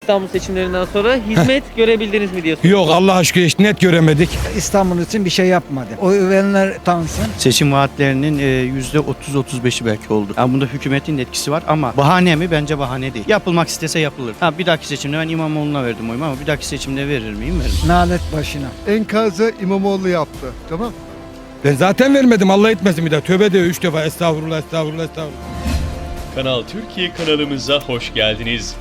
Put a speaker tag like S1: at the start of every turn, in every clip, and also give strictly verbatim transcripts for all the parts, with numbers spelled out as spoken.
S1: İstanbul seçimlerinden sonra hizmet görebildiniz mi diye soruyorum.
S2: Yok, Allah aşkına hiç net göremedik.
S3: İstanbul için bir şey yapmadı. Oy verenler tansın.
S4: Seçim vaatlerinin yüzde otuz otuz beşi belki oldu. Yani bunda hükümetin de etkisi var ama bahane mi? Bence bahane değil. Yapılmak istese yapılır. Ha, bir dahaki seçimde ben İmamoğlu'na verdim oyumu ama bir dahaki seçimde verir miyim? Veririm.
S3: Nalet başına.
S5: Enkazı İmamoğlu yaptı. Tamam.
S2: Ben zaten vermedim, Allah etmesin bir daha. Tövbe de üç defa estağfurullah, estağfurullah, estağfurullah.
S6: Kanal Türkiye kanalımıza hoş geldiniz.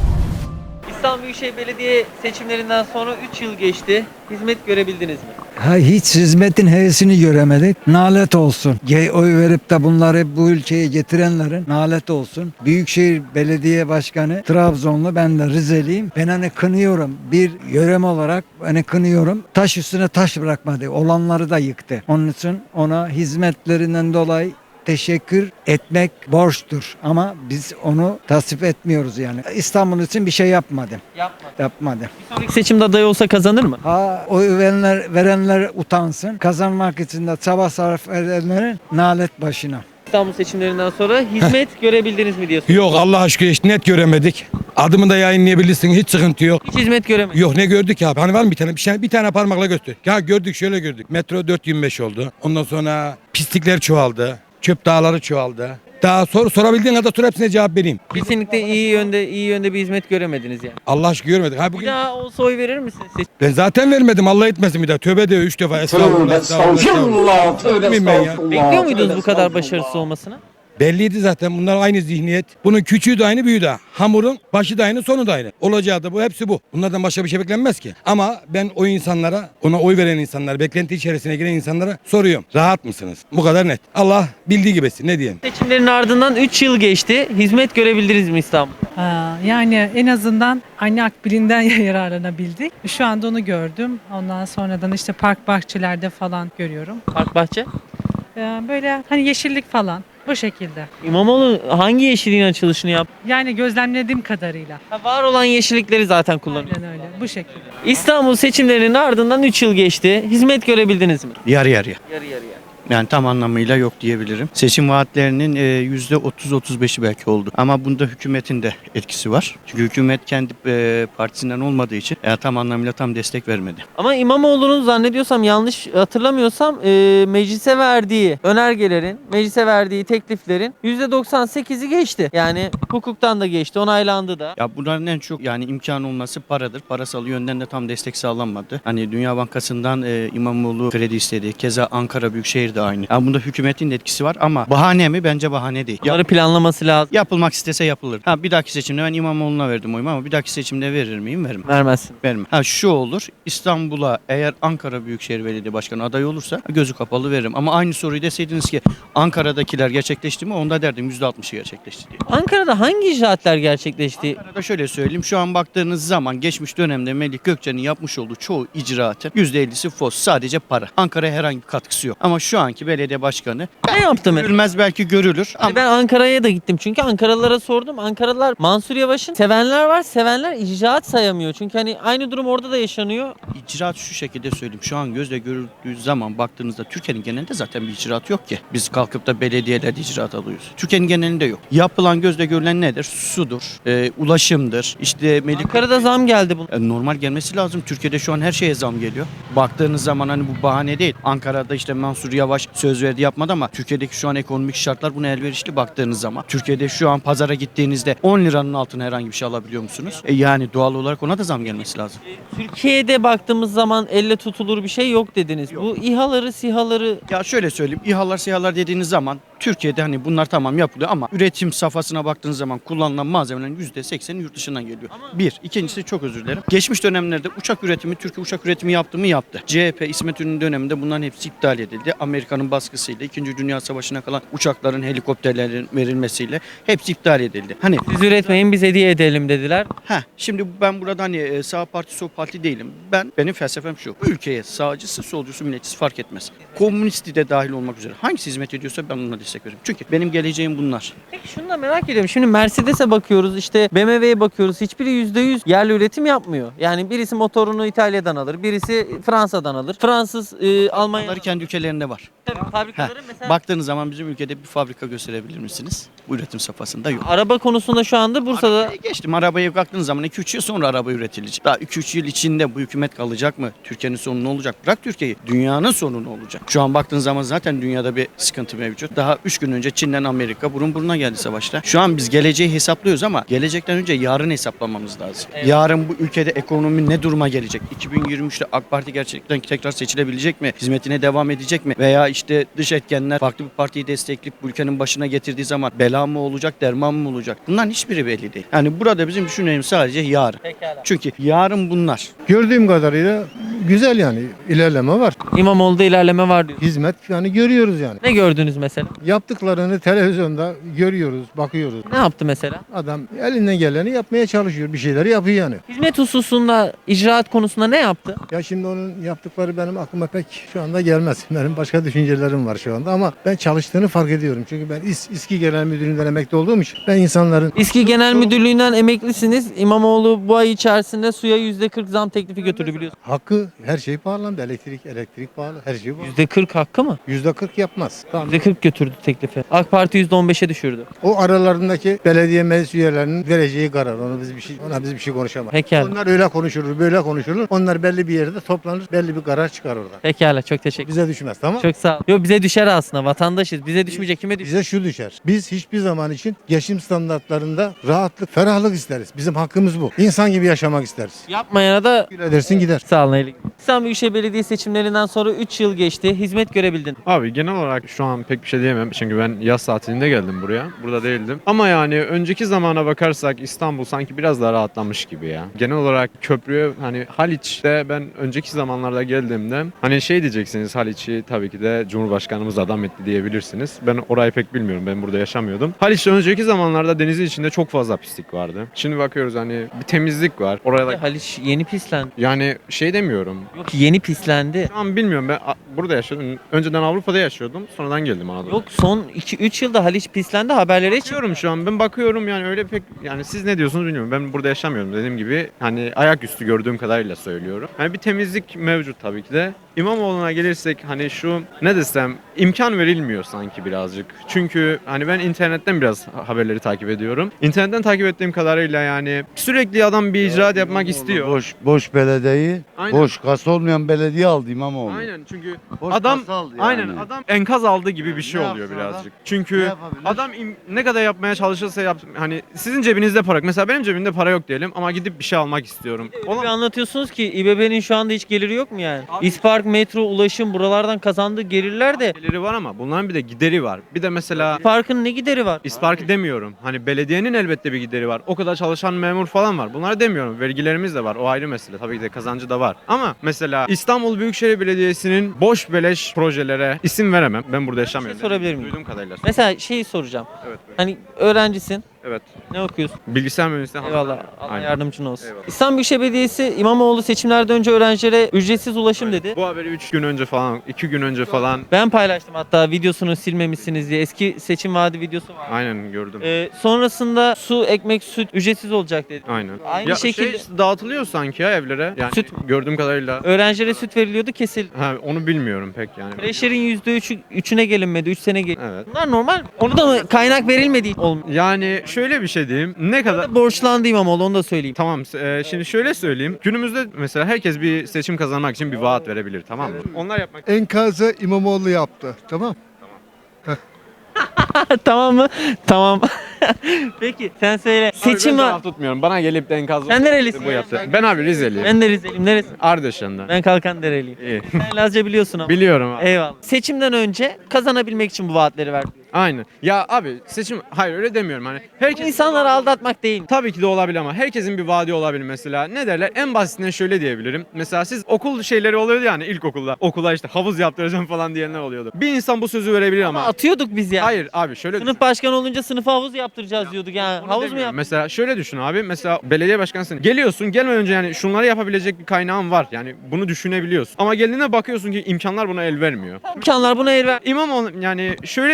S1: İstanbul Büyükşehir Belediye seçimlerinden sonra üç yıl geçti. Hizmet görebildiniz mi?
S3: Ha, hiç hizmetin hevesini göremedik. Nalet olsun. Ge- Oy verip de bunları bu ülkeye getirenlerin nalet olsun. Büyükşehir Belediye Başkanı Trabzonlu, ben de Rizeliyim. Ben hani kınıyorum. Bir yörem olarak hani kınıyorum. Taş üstüne taş bırakmadı. Olanları da yıktı. Onun için ona hizmetlerinden dolayı teşekkür etmek borçtur. Ama biz onu tasvip etmiyoruz yani. İstanbul için bir şey yapmadı.
S1: Yapmadı.
S3: Yapmadı.
S1: Bir sonraki seçimde aday olsa kazanır mı?
S3: Ha, oy verenler, verenler utansın. Kazanmak için de çaba sarf edenlerin nalet başına.
S1: İstanbul seçimlerinden sonra hizmet görebildiniz mi diye soruyorum.
S2: Yok, Allah aşkına hiç net göremedik. Adımı da yayınlayabilirsin, hiç sıkıntı yok.
S1: Hiç hizmet göremedim.
S2: Yok, ne gördük ya? Hani var mı bir tane? Bir tane, bir tane parmakla göster. Ya gördük, şöyle gördük. Metro dört yirmi beş oldu. Ondan sonra pislikler çoğaldı. Çöp dağları çoğaldı. Daha sor, sorabildiğin kadar sor, hepsine cevap vereyim.
S1: Kesinlikle iyi yönde iyi yönde bir hizmet göremediniz yani.
S2: Allah aşkına görmedik. Ha
S1: Bir
S2: bugün
S1: daha olsa oy verir misiniz? Seç-
S2: ben zaten vermedim, Allah etmesin bir daha. Tövbe de üç defa estağfurullah, estağfurullah, estağfurullah. Bilmiyorum ben ya.
S1: Bekliyor muydunuz bu kadar başarısız olmasını?
S2: Belliydi zaten, bunlar aynı zihniyet. Bunun küçüğü de aynı, büyüğü de. Hamurun başı da aynı, sonu da aynı. Olacağı da bu, hepsi bu. Bunlardan başka bir şey beklenmez ki. Ama ben o insanlara, ona oy veren insanlara, beklenti içerisine giren insanlara soruyorum. Rahat mısınız? Bu kadar net. Allah bildiği gibisin, ne diyeyim.
S1: Seçimlerin ardından üç yıl geçti. Hizmet görebildiniz mi İstanbul?
S7: Ha, yani en azından anne akbilinden yararlanabildik. Şu anda onu gördüm. Ondan sonradan işte park bahçelerde falan görüyorum.
S1: Park Bahçe.
S7: Ee, böyle hani yeşillik falan bu şekilde.
S1: İmamoğlu hangi yeşilliğin açılışını yaptı?
S7: Yani gözlemlediğim kadarıyla.
S1: Ha, var olan yeşillikleri zaten kullanıyor.
S7: Aynen öyle. Bu şekilde.
S1: İstanbul seçimlerinin ardından üç yıl geçti. Hizmet görebildiniz mi?
S4: Yarı yarıya.
S1: Yarı yarıya.
S4: Yani tam anlamıyla yok diyebilirim. Seçim vaatlerinin yüzde otuz otuz beşi belki oldu. Ama bunda hükümetin de etkisi var. Çünkü hükümet kendi e, partisinden olmadığı için yani tam anlamıyla tam destek vermedi.
S1: Ama İmamoğlu'nun zannediyorsam, yanlış hatırlamıyorsam e, meclise verdiği önergelerin, meclise verdiği tekliflerin yüzde doksan sekizi geçti. Yani hukuktan da geçti, onaylandı da.
S4: Ya bunların en çok yani imkan olması paradır. Parasal yönden de tam destek sağlanmadı. Hani Dünya Bankası'ndan e, İmamoğlu kredi istedi. Keza Ankara Büyükşehir de aynı. Yani bunda hükümetin de etkisi var ama bahane mi? Bence bahane değil.
S1: Bunları planlaması lazım.
S4: Yapılmak istese yapılır. Ha, bir dahaki seçimde ben İmamoğlu'na verdim oyumu ama bir dahaki seçimde verir miyim? Veririm.
S1: Vermezsin.
S4: Vermem. Ha, şu olur. İstanbul'a eğer Ankara Büyükşehir Belediye Başkanı aday olursa gözü kapalı veririm. Ama aynı soruyu deseydiniz ki Ankara'dakiler gerçekleşti mi? Onda derdim yüzde altmışı gerçekleşti diye.
S1: Ankara'da hangi icraatler gerçekleşti?
S4: Ankara'da şöyle söyleyeyim. Şu an baktığınız zaman geçmiş dönemde Melih Gökçe'nin yapmış olduğu çoğu icraatın yüzde ellisi fos. Sadece para. Ankara'ya herhangi bir katkısı yok. Ama şu anki belediye başkanı
S1: Ne yaptı mı?
S4: görülmez belki görülür. Ama
S1: Hani ben Ankara'ya da gittim çünkü Ankaralılara sordum. Ankaralılar Mansur Yavaş'ın sevenler var, sevenler icraat sayamıyor. Çünkü hani aynı durum orada da yaşanıyor.
S4: icraat şu şekilde söyleyeyim. Şu an gözle görüldüğü zaman baktığınızda Türkiye'nin genelinde zaten bir icraat yok ki. Biz kalkıp da belediyelerde icraat alıyoruz. Türkiye'nin genelinde yok. Yapılan gözle görülen nedir? Sudur, e, ulaşımdır. İşte Melih
S1: Ankara'da zam geldi bunun.
S4: E, normal gelmesi lazım. Türkiye'de şu an her şeye zam geliyor. Baktığınız zaman hani bu bahane değil. Ankara'da işte Mansur Yavaş söz verdi yapmadı ama Türkiye'deki şu an ekonomik şartlar buna elverişli baktığınız zaman. Türkiye'de şu an pazara gittiğinizde on liranın altına herhangi bir şey alabiliyor musunuz? E, yani doğal olarak ona da zam gelmesi lazım.
S1: Türkiye'de baktığımız zaman elle tutulur bir şey yok dediniz. Bu İHA'ları, SİHA'ları
S4: Ya şöyle söyleyeyim. İHA'lar SİHA'lar dediğiniz zaman Türkiye'de hani bunlar tamam yapılıyor ama üretim safhasına baktığınız zaman kullanılan malzemelerin yüzde sekseni yurt dışından geliyor. Bir. İkincisi çok özür dilerim. Geçmiş dönemlerde uçak üretimi, Türkiye uçak üretimi yaptı mı yaptı. C H P, İsmet İnönü döneminde bunların hepsi iptal edildi. Amerika'nın baskısıyla İkinci Dünya Savaşı'na kalan uçakların, helikopterlerin verilmesiyle hepsi iptal edildi. Hani
S1: siz üretmeyin biz hediye edelim dediler.
S4: ha şimdi ben burada hani e, sağ parti sol parti değilim. Ben benim felsefem şu. Bu ülkeye sağcısı, solcusu, milletçisi fark etmez. Komünisti de dahil olmak üzere hangisi hizmet ediyorsa ben ona destek destek veririm. Çünkü benim geleceğim bunlar.
S1: Peki şunu da merak ediyorum. Şimdi Mercedes'e bakıyoruz, işte B M W'ye bakıyoruz. Hiçbiri yüzde yüz yerli üretim yapmıyor. Yani birisi motorunu İtalya'dan alır, birisi Fransa'dan alır. Fransız, e, Almanya.
S4: Bunları kendi ülkelerinde var.
S1: Tabii fabrikaları mesela.
S4: Baktığınız zaman bizim ülkede bir fabrika gösterebilir misiniz? Bu üretim safhasında yok.
S1: Araba konusunda şu anda Bursa'da
S4: Arabaya geçtim. Arabaya baktığınız zaman iki üç yıl sonra araba üretilecek. Daha iki üç yıl içinde bu hükümet kalacak mı? Türkiye'nin sonu ne olacak? Bırak Türkiye'yi. Dünyanın sonu ne olacak? Şu an baktığınız zaman zaten dünyada bir sıkıntı mevcut. Daha üç gün önce Çin'den Amerika burun buruna geldi savaşta. Şu an biz geleceği hesaplıyoruz ama gelecekten önce yarın hesaplamamız lazım.
S1: Evet.
S4: Yarın bu ülkede ekonomi ne duruma gelecek? iki bin yirmi üçte AK Parti gerçekten tekrar seçilebilecek mi? Hizmetine devam edecek mi? Veya işte dış etkenler farklı bir partiyi destekleyip bu ülkenin başına getirdiği zaman bela mı olacak, derman mı olacak? Bunların hiçbiri belli değil. Yani burada bizim düşüneceğimiz sadece yarın.
S1: Pekala.
S4: Çünkü yarın bunlar.
S5: Gördüğüm kadarıyla güzel yani ilerleme var.
S1: İmamoğlu'da ilerleme var diyor.
S5: Hizmet yani görüyoruz yani.
S1: Ne gördünüz mesela?
S5: Yaptıklarını televizyonda görüyoruz, bakıyoruz.
S1: Ne yaptı mesela?
S5: Adam elinden geleni yapmaya çalışıyor. Bir şeyleri yapıyor yani.
S1: Hizmet hususunda, icraat konusunda ne yaptı?
S5: Ya şimdi onun yaptıkları benim aklıma pek şu anda gelmez. Benim başka düşüncelerim var şu anda ama ben çalıştığını fark ediyorum. Çünkü ben İS, İSKİ Genel Müdürlüğü'nden emekli olduğum için ben insanların
S1: İSKİ Genel Müdürlüğü'nden emeklisiniz. İmamoğlu bu ay içerisinde suya yüzde kırk zam teklifi götürdü biliyorsunuz.
S5: hakkı her şey pahalandı. Elektrik, elektrik pahalı. Her şey pahalı.
S1: yüzde kırk hakkı mı?
S5: yüzde kırk yapmaz. Tamam.
S1: yüzde kırk götürdü teklifi. AK Parti yüzde on beşe düşürdü.
S5: O aralarındaki belediye meclis üyelerinin vereceği karar. Onu biz bir şey, ona biz bir şey konuşamayız.
S1: Pekala.
S5: Onlar öyle konuşulur, böyle konuşulur. Onlar belli bir yerde toplanır, belli bir karar çıkar orada.
S1: Pekala, çok teşekkür
S5: Bize düşmez, tamam mı?
S1: Çok sağ ol. Yo, bize düşer aslında, vatandaşız. Bize düşmeyecek, kime düşer?
S5: Bize şu düşer. Biz hiçbir zaman için geçim standartlarında rahatlık, ferahlık isteriz. Bizim hakkımız bu. İnsan gibi yaşamak isteriz.
S1: Yapmayana da
S5: Güle dersin gider.
S1: sağ olun. iyilik. İstanbul Büyükşehir Belediye seçimlerinden sonra üç yıl geçti. Hizmet görebildin.
S8: Abi genel olarak şu an pek bir şey diyemem çünkü ben yaz tatilinde geldim buraya. Burada değildim. Ama yani önceki zamana bakarsak İstanbul sanki biraz daha rahatlamış gibi ya. Genel olarak köprüye hani Haliç'te ben önceki zamanlarda geldiğimde hani şey diyeceksiniz, Haliç'i tabii ki de Cumhurbaşkanımız adam etti diyebilirsiniz. Ben orayı pek bilmiyorum. Ben burada yaşamıyordum. Haliç'te önceki zamanlarda denizin içinde çok fazla pislik vardı. Şimdi bakıyoruz hani bir temizlik var. Oraya da
S1: Haliç yeni pislendi.
S8: yani şey demiyorum.
S1: Yok, yeni pislendi.
S8: Şu an bilmiyorum, ben a- burada yaşıyordum. Önceden Avrupa'da yaşıyordum. Sonradan geldim Anadolu'ya.
S1: Yok, son iki üç yılda Haliç pislendi, haberlere çıktı.
S8: Bakıyorum şu an, ben bakıyorum yani öyle pek, yani siz ne diyorsunuz bilmiyorum. Ben burada yaşamıyorum dediğim gibi, hani ayaküstü gördüğüm kadarıyla söylüyorum. Hani bir temizlik mevcut tabii ki de. İmamoğlu'na gelirsek hani şu ne desem, imkan verilmiyor sanki birazcık. Çünkü hani ben internetten biraz haberleri takip ediyorum. İnternetten takip ettiğim kadarıyla yani sürekli adam bir icraat yapmak istiyor.
S9: Boş boş belediyeyi,
S8: Aynen.
S9: boş kasa olmayan belediye aldı İmamoğlu.
S8: Aynen, çünkü
S9: Boş
S8: adam
S9: kasa aldı yani.
S8: aynen adam enkaz aldı gibi bir şey
S9: Ne
S8: oluyor
S9: yapsın
S8: birazcık.
S9: adam?
S8: Çünkü
S9: Ne yapabilir?
S8: adam im- ne kadar yapmaya çalışırsa yap, hani sizin cebinizde para yok. Mesela benim cebimde para yok diyelim ama gidip bir şey almak istiyorum.
S1: Öyle bir anlatıyorsunuz ki İBB'nin şu anda hiç geliri yok mu yani? İspark, metro, ulaşım, buralardan kazandığı gelirler de
S8: Geliri var ama bunların bir de gideri var. Bir de mesela
S1: İspark'ın ne gideri var?
S8: İspark demiyorum. Hani belediyenin elbette bir gideri var. O kadar çalışan memur falan var. Bunları demiyorum. Vergilerimiz de var. O ayrı mesele. Tabii ki de kazancı da var. Ama mesela İstanbul Büyükşehir Belediyesi'nin boş beleş projelere isim veremem. Ben burada yaşamıyorum.
S1: şey sorabilir miyim?
S8: Duyduğum kadarıyla.
S1: Mesela şeyi soracağım.
S8: Evet. buyurun.
S1: Hani öğrencisin.
S8: Evet.
S1: Ne okuyorsun?
S8: Bilgisayar mühendisliği.
S1: Eyvallah. Allah
S8: Aynen.
S1: yardımcın olsun.
S8: Eyvallah.
S1: İstanbul Büyükşehir Belediyesi İmamoğlu seçimlerden önce öğrencilere ücretsiz ulaşım dedi.
S8: Bu haberi üç gün önce falan, iki gün önce falan
S1: Ben paylaştım hatta, videosunu silmemişsiniz diye. Eski seçim vaadi videosu var.
S8: aynen gördüm.
S1: Ee, sonrasında su, ekmek, süt ücretsiz olacak dedi.
S8: Aynen.
S1: Aynı
S8: ya
S1: şekilde
S8: şey dağıtılıyor sanki ya evlere. Yani
S1: Süt.
S8: gördüğüm kadarıyla.
S1: öğrencilere süt veriliyordu, kesildi.
S8: Ha, onu bilmiyorum pek yani.
S1: Kreşlerin yüzde üçü, üçüne gelinmedi. üç sene gel.
S8: Evet.
S1: Bunlar normal. Onu da mı kaynak verilmediği olmuyor?
S8: Yani şöyle bir şey diyeyim. Ne kadar
S1: Borçlandı İmamoğlu, onu da söyleyeyim.
S8: Tamam, e, şimdi şöyle söyleyeyim. Günümüzde mesela herkes bir seçim kazanmak için bir vaat verebilir, tamam mı? Onlar yapmak
S5: Enkazı İmamoğlu yaptı. Tamam.
S1: Tamam mı? Tamam. Peki sen söyle. Seçim
S8: Abi ben
S1: var.
S8: taraf tutmuyorum. Bana gelip de enkaz
S1: Sen nerelisin?
S8: bu yaptı. Ben abi Rizeliyim.
S1: Ben de Rizeliyim. Neresin?
S8: Ardeşen'den.
S1: Ben Kalkandereliyim.
S8: İyi.
S1: Sen Lazca biliyorsun ama.
S8: Biliyorum abi.
S1: Eyvallah. Seçimden önce kazanabilmek için bu vaatleri verdi.
S8: Aynen. Ya abi seçim, hayır öyle demiyorum hani.
S1: Bu
S8: Herkes
S1: insanları aldatmak değil.
S8: Tabii ki de olabilir ama herkesin bir vaadi olabilir mesela. Ne derler? En basitinden şöyle diyebilirim. Mesela siz okul şeyleri oluyordu yani ilkokulda. Okula işte havuz yaptıracağım falan diyenler oluyordu. Bir insan bu sözü verebilir ama.
S1: Ama atıyorduk biz ya.
S8: Hayır abi şöyle düşün.
S1: Sınıf başkanı olunca sınıfa havuz yaptıracağız diyorduk yani.
S8: Onu
S1: Havuz mu
S8: demiyorum.
S1: yap?
S8: Mesela şöyle düşün abi. Mesela belediye başkanısın. Geliyorsun, gelmeden önce yani şunları yapabilecek bir kaynağın var. Yani bunu düşünebiliyorsun. Ama geldiğinde bakıyorsun ki imkanlar buna el vermiyor.
S1: İmkanlar buna el ver.
S8: İmamoğlu yani şöyle diyeyim. Ya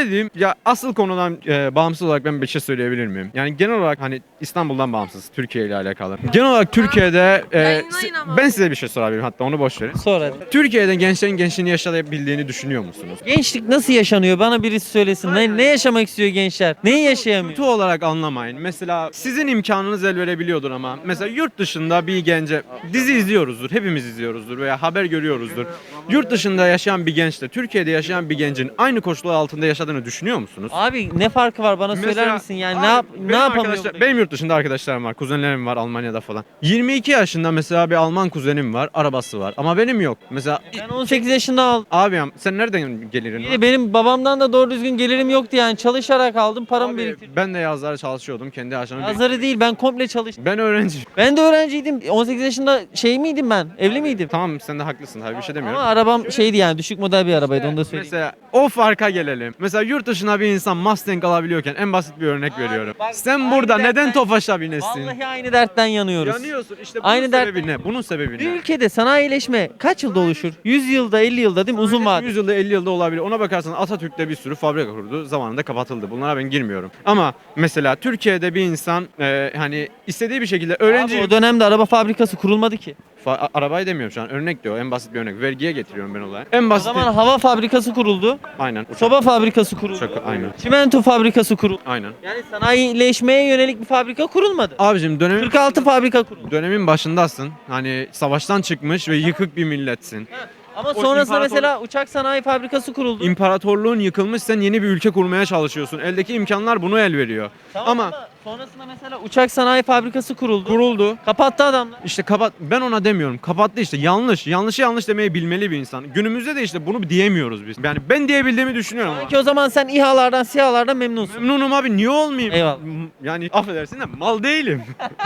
S8: Ya asıl konudan e, bağımsız olarak ben bir şey söyleyebilir miyim? Yani genel olarak hani İstanbul'dan bağımsız, Türkiye ile alakalı. Genel olarak Türkiye'de e,
S10: Yayınlayın
S8: si-
S10: ama.
S8: ben size bir şey sorabilirim, hatta onu boş verin.
S1: Sor hadi.
S8: Türkiye'de gençlerin gençliğini yaşayabildiğini düşünüyor musunuz?
S1: Gençlik nasıl yaşanıyor? Bana birisi söylesin. Ne, ne yaşamak istiyor gençler? Neyi yaşayamıyor?
S8: Kötü olarak anlamayın. Mesela sizin imkanınız el verebiliyordur ama mesela yurt dışında bir gence dizi izliyoruzdur, hepimiz izliyoruzdur veya haber görüyoruzdur. Yurt dışında yaşayan bir gençle Türkiye'de yaşayan bir gencin aynı koşullar altında yaşadığını düşünüyor musunuz?
S1: Abi ne farkı var bana söyler
S8: Mesela-
S1: misin? Yani
S8: Abi,
S1: ne yap
S8: benim
S1: ne yapamıyor?
S8: arkadaşlar-
S1: buradaki?
S8: Benim yurt dışında arkadaşlarım var, kuzenlerim var Almanya'da falan. yirmi iki yaşında mesela bir Alman kuzenim var, arabası var ama benim yok. Mesela
S1: Ben on sekiz yaşında aldım.
S8: abi ya, sen nereden gelirin
S1: Bir
S8: var?
S1: de benim babamdan da doğru düzgün gelirim yoktu yani. Çalışarak aldım, paramı
S8: Abi,
S1: biriktirdim.
S8: ben de yazları çalışıyordum kendi yaşamı.
S1: Yazları değil, ben komple çalıştım.
S8: Ben öğrenciyim.
S1: Ben de öğrenciydim. on sekiz yaşında şey miydim ben? Evli miydim?
S8: Tamam, sen de haklısın tabii, bir şey demiyorum.
S1: Ama arabam şeydi yani, düşük model bir arabaydı, onu da söyleyeyim.
S8: Mesela o farka gelelim. Mesela yurt dışına bir insan Mustang alabiliyorken en basit bir örnek veriyorum.
S1: bak,
S8: Sen
S1: aynı
S8: burada neden
S1: dertten-
S8: Tofaş'a binesin?
S1: Vallahi aynı dertten yanıyoruz.
S8: Yanıyorsun. İşte bunun
S1: Aynı dert-
S8: sebebi ne? Bunun sebebi
S1: Bir
S8: ne?
S1: ülkede sanayileşme kaç yılda oluşur? yüz yılda, elli yılda değil mi? Uzun vade.
S8: yüz yılda elli yılda olabilir. Ona bakarsan Atatürk'te bir sürü fabrika kurdu. Zamanında kapatıldı. Bunlara ben girmiyorum. Ama mesela Türkiye'de bir insan e, hani istediği bir şekilde öğrenci...
S1: Abi o dönemde araba fabrikası kurulmadı ki.
S8: Fa- a- arabayı demiyorum şu an. Örnek diyor. En basit bir örnek. Vergiye getiriyorum ben olayı. En
S1: O
S8: basit.
S1: zaman hava fabrikası kuruldu.
S8: Aynen. Uçak.
S1: Soba fabrikası kuruldu.
S8: Uçak, aynen.
S1: Çimento fabrikası kuruldu.
S8: Aynen.
S1: Yani sanayileşmeye yönelik bir fabrika kurulmadı.
S8: Abicim dönemin...
S1: kırk altı fabrika kuruldu.
S8: Dönemin başındasın. Hani savaştan çıkmış ve yıkık bir milletsin.
S1: Ama
S8: O
S1: sonrasında
S8: imparator-
S1: mesela uçak sanayi fabrikası kuruldu.
S8: İmparatorluğun yıkılmış, sen yeni bir ülke kurmaya çalışıyorsun. Eldeki imkanlar bunu el veriyor.
S1: Tamam
S8: ama
S1: ama sonrasında mesela uçak sanayi fabrikası kuruldu.
S8: kuruldu.
S1: Kapattı adamlar.
S8: İşte kapat, ben ona demiyorum. Kapattı işte, yanlış. Yanlışı yanlış demeyi bilmeli bir insan. Günümüzde de işte bunu diyemiyoruz biz. Yani ben diyebildiğimi düşünüyorum ama.
S1: Sanki o zaman sen İHA'lardan, SİHA'lardan memnunsun.
S8: Memnunum abi, niye olmayayım?
S1: Eyvallah.
S8: M- Yani affedersin de mal değilim.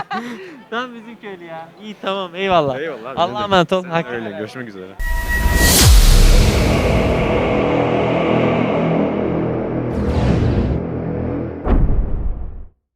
S1: Tam bizim köylü ya. İyi tamam eyvallah.
S8: Eyvallah abi,
S1: Allah'a
S8: ne
S1: emanet ol.
S8: demek.
S1: Hakkı
S8: Öyle,
S1: helal.
S8: görüşmek üzere.